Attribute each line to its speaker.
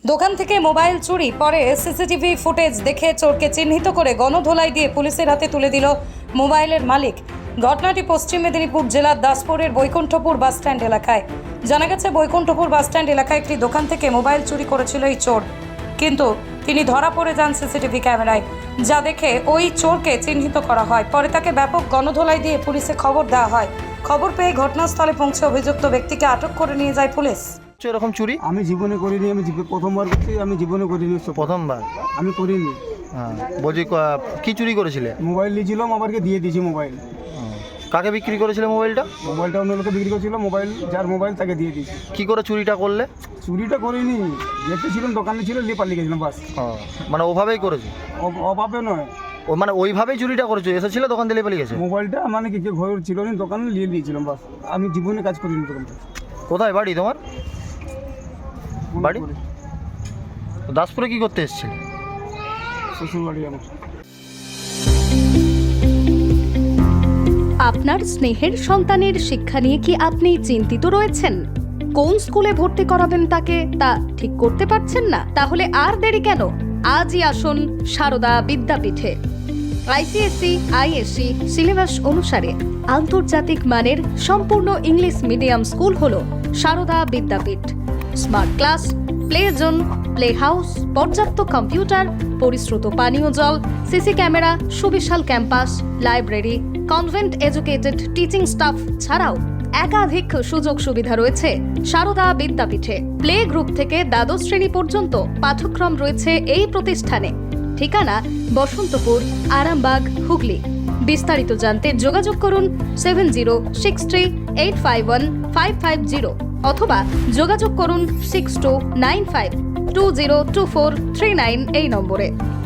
Speaker 1: দোকান থেকে মোবাইল চুরি, পরে সিসিটিভি ফুটেজ দেখে চোরকে চিহ্নিত করে গণধোলাই দিয়ে পুলিশের হাতে তুলে দিল মোবাইলের মালিক। ঘটনাটি পশ্চিম মেদিনীপুর জেলার দাসপুরের বৈকুণ্ঠপুর বাসস্ট্যান্ড এলাকায়। জানা গেছে, বৈকুণ্ঠপুর বাসস্ট্যান্ড এলাকায় একটি দোকান থেকে মোবাইল চুরি করেছিল এই চোর, কিন্তু তিনি ধরা পড়ে যান সিসিটিভি ক্যামেরায়, যা দেখে ওই চোরকে চিহ্নিত করা হয়। পরে তাকে ব্যাপক গণধোলাই দিয়ে পুলিশে খবর দেওয়া হয়। খবর পেয়ে ঘটনাস্থলে পৌঁছে অভিযুক্ত ব্যক্তিকে আটক করে নিয়ে যায় পুলিশ।
Speaker 2: এরকম চুরি
Speaker 3: আমি জীবনে করিনি, প্রথমবার করছি, আমি জীবনে করিনি।
Speaker 2: প্রথমবার?
Speaker 3: আমি করিনি।
Speaker 2: হ্যাঁ, বলছি কি চুরি করেছিলে?
Speaker 3: মোবাইল নিয়েছিলাম, আমাকে দিয়ে দিয়েছি মোবাইল।
Speaker 2: কাকে বিক্রি করেছিলে মোবাইলটা?
Speaker 3: মোবাইলটা অন্য লোকে বিক্রি করছিল, মোবাইল যার মোবাইল তাকে দিয়ে দিয়েছি।
Speaker 2: কি করে চুরিটা করলে?
Speaker 3: চুরিটা করিনি, দেখতেছিলাম দোকানে ছিল, নিয়ে পালিয়ে গেছিলাম বাস।
Speaker 2: মানে ওভাবেই করেছো?
Speaker 3: অভাবে নয়,
Speaker 2: ও মানে ওইভাবেই চুরিটা করেছো? এসেছিল দোকান দিলে পালিয়ে গেছে?
Speaker 3: মোবাইলটা মানে কি ঘর ছিল না, দোকানে নিয়ে নিয়েছিলাম বাস। আমি জীবনে কাজ করিনি দোকানটা।
Speaker 2: কোথায় বাড়ি তোমার? বাড়ি দাসপুরে। কি করতে এসেছিলে?
Speaker 3: শ্বশুর বাড়ি আমার।
Speaker 4: আপনার স্নেহের সন্তানের শিক্ষা নিয়ে কি আপনি চিন্তিত রয়েছেন? কোন স্কুলে ভর্তি করাবেন তাকে তা ঠিক করতে পারছেন না? তাহলে আর দেরি কেন? আজই আসুন সারদা বিদ্যাপীঠে। আইসিএসসি আইএসসি সিলেবাস অনুসারে আন্তর্জাতিক মানের সম্পূর্ণ ইংলিশ মিডিয়াম স্কুল হলো Sarada Vidyapith. Smart class, play zone, play house, পর্যাপ্ত কম্পিউটার, পরিশ্রুত পানীয় জল, সিসি ক্যামেরা, সুবিশাল campus, library, convent educated teaching staff ছাড়াও একাধিক সুযোগ সুবিধা রয়েছে সারদা বিদ্যাপীঠে। প্লে গ্রুপ থেকে দ্বাদশ শ্রেণী পর্যন্ত পাঠ্যক্রম রয়েছে এই প্রতিষ্ঠানে। ঠিকানা বসন্তপুর, আরামবাগ, হুগলি। বিস্তারিত জানতে যোগাযোগ করুন 7063851550 অথবা যোগাযোগ করুন 6295202439 এই নম্বরে।